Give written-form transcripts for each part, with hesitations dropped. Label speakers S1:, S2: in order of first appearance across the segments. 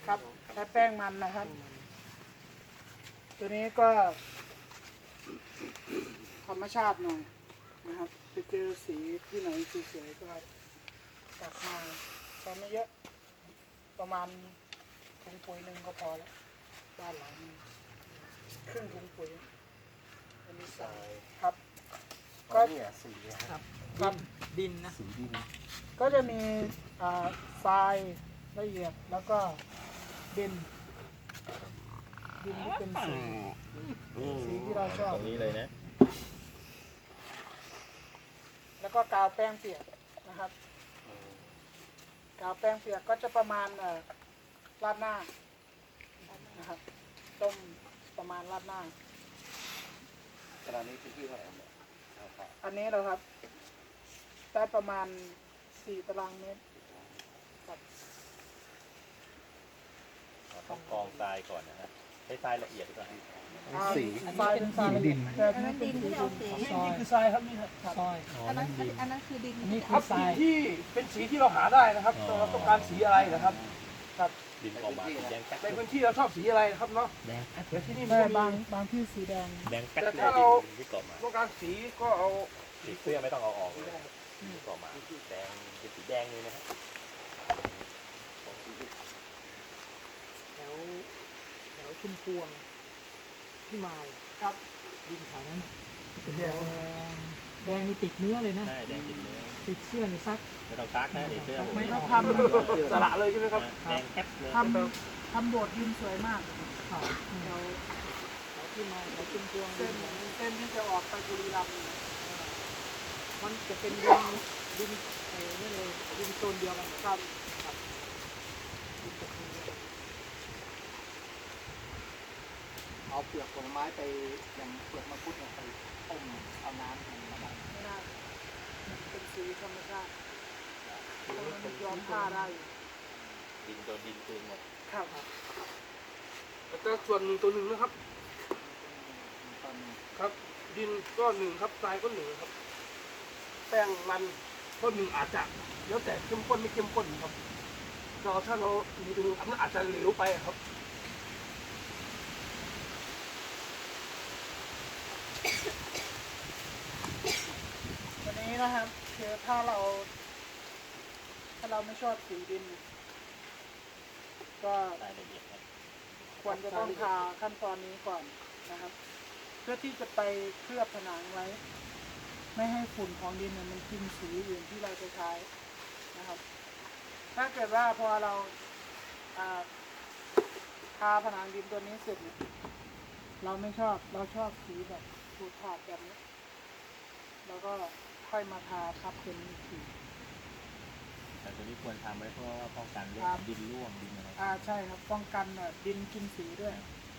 S1: ครับใช้แป้งมันนะครับ ตัวนี้ก็ธรรมชาติหน่อยนะครับไปเจอสีที่ไหนสวยๆก็ตักมาใช้ไม่เยอะประมาณถุงปุ๋ยหนึ่งก็พอแล้วด้านหลังนี่ครึ่งถุงปุ๋ยอันนี้ใส่ครับ
S2: ก็เนี่ยสีนะครับ
S1: ครับ
S3: ดินนะ
S2: สีดิน
S1: ก็จะมีทรายละเอียดแล้วก็ดินที่เป็นสีที่เราชอบ
S2: ตรงนี้เลยนะ
S1: แล้วก็กาวแป้งเปียกนะครับกาวแป้งเปียกก็จะประมาณราดหน้านะครับต้มประมาณราดหน้า
S2: ขนาดนี้พื้นที่เท่าไหร่เนี่ย
S1: อันนี้เราครับได้ประมาณ4 ตารางเมตรครับ
S2: ต้องกองทรายก่อนนะฮะใช้ทรายละเอียดก่อน
S1: สีทรายเป็นทรายดินแต่
S4: อันนั้นดินที่เอาสี
S1: นี่คือทรายครับนี่ครับ
S3: ซอย
S4: อันนั้นคือดิน
S3: อันนี้
S1: ค
S3: คื
S1: รั
S3: อบ ท
S1: สี
S3: ราย
S1: ที่เป็นสีที่เราหาได้นะครับเราต้องการสีอะไรนะครับครับ
S2: ดินออกมาสีแดงแป๊ด
S1: ในพื้นที่เราชอบสีอะไรนะครับเนาะ
S2: แดงแป๊ด
S1: เดี๋ยวที่นี่
S3: แต่
S1: มัน
S3: บางที่สีแดง
S2: แดงแป๊ด
S1: แต่
S2: เลย
S1: ถ้าเรา
S2: ดินที่เกาะมา
S1: ต้องการสีก็เอา
S2: สีเสื้อไม่ต้องเอาออกเลยที่เกาะมาแดงเป็นสีแดงเลยนะฮะ
S3: แถวชุมพวงที่มาย
S1: ครับ
S3: ดินแถวนั้นเป็นแดงแดงนี่ติดเนื้อเลยนะ
S2: ใช่แดงติดเนื้อ
S3: ติดเสื้อนี่ซัก
S2: ไม่ต้องซักนะติดเสื้อผม
S3: ไม่
S1: เรา
S3: ต้อง
S1: ทำสละเลยใช่ไหมครับ
S2: แดงแป๊ดเลย
S1: ทำโบสถ์ดินสวยมาก
S3: ข่าว
S1: เรา
S3: แถวที่มายแถวชุมพวง
S1: เส้นที่จะออกไปบุรีรัมย์
S3: มันจะเป็นดินนี่เลยดินโซนเดียวกัน
S1: ครับ
S3: ดินตะกูลเดียวกัน
S5: เอาเปลือกผลไม้ไปอย่างเปลือกมังคุดเนี่ยไปต้มเอาน้ำมันมาดัน
S1: ไม่ได้มันเป็นสีธรรมชาติมันย้อมผ้าได้อยู่
S2: ดินโดนดินคืนหมด
S1: ครับ
S6: แล้วก็ส่วนหนึ่งตัวหนึ่งนะครับ
S5: ตอน
S6: ครับ ดินก็หนึ่งครับทรายก็หนึ่งครับ แป้งมันก็หนึ่งอาจจะแล้วแต่เข้มข้นไม่เข้มข้นครับเราถ้าเรามีตรงอันนั้นอาจจะเหลวไปครับ
S1: วันนี้นะครับคือถ้าเราไม่ชอบสีดิน ก็
S2: รายละเอียดนะ
S1: ควรจะต้องทาขั้นตอนนี้ก่อนนะครับ เพื่อที่จะไปเคลือบผนังไว้ ไม่ให้ฝุ่นของดินเนี่ยมันกินสีอื่นที่เราจะใช้นะครับ ถ้าเกิดว่าพอเราทาผนังดินตัวนี้เสร็จเนี่ยเราไม่ชอบเราชอบสีแบบขูดขาดแบบนี้แล้วก็ค่อยมาทาทับเป็นสี
S2: แต่ตัวนี้ควรทำไว้เพราะว่าป้องกันเรื่อ
S1: ครั
S2: ง
S1: บ
S2: ดินร่วงดินอะไร
S1: ใช่ครับป้องกันดินกินสีด้วย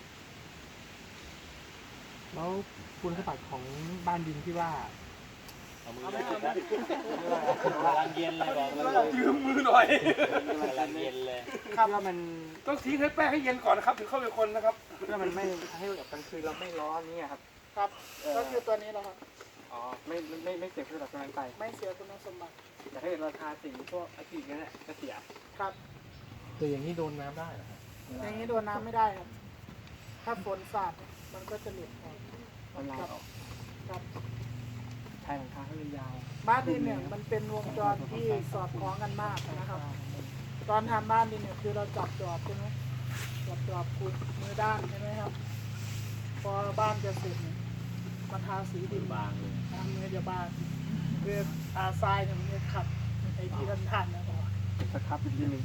S3: แล้วคุณสมบัติของบ้านดินที่ว่า
S2: เอามือเลยนะกำลังเย็นเลยบอกเลย
S6: ยืมมือหน่อย
S2: กำลังเย็นเลย
S3: ครับว่ามัน
S6: ต้องทิ้งให้แป้งให้เย็นก่อนนะครับถึงเข้าไปคนนะครับ
S3: เพื่อมันไม่ให้แบบกลางคืนเราไม่ร้อนเนี่ยครับ
S1: ครับก็คือตัวนี้แหละครับ
S3: อ๋อไม่เสียคุณสมบัติตรงนั้นไป
S1: ไม่เสียคุณสมบัติ
S3: แต่ถ้าเกิดเราทาสีพวกอะคริลิกนั่นแหละจะเสีย
S1: ครับ
S3: คืออย่างนี้โดนน้ำได้เหรอครับ
S1: อย่างนี้โดนน้ำไม่ได้ครับ ถ้าฝนสาดมันก็จะหลุดออก
S3: มันลายออก
S1: ครับ
S3: ชายหลังคาเขาเลยยาว
S1: บ้านดินเนี่ยมันเป็นวงจรที่สอดคล้องกันมากนะครับ ตอนทำบ้านดินเนี่ยคือเราจับจอบใช่ไหมจับจอบขุดมือด้านใช่ไหมครับ พอบ้านจะเสร็จเนี่ยมันทาสีดิน
S2: บางเลย
S1: ทำเนื้อจะบางคือทาทรายเนี่ยมันจะขัดไอ้ที่ท่านๆนะครับ
S3: สครับอีกทีหนึ่ง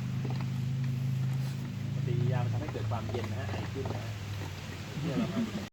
S2: ปฏิกิริยามันทำให้เกิดความเย็นนะฮะไอขึ้นนะฮะ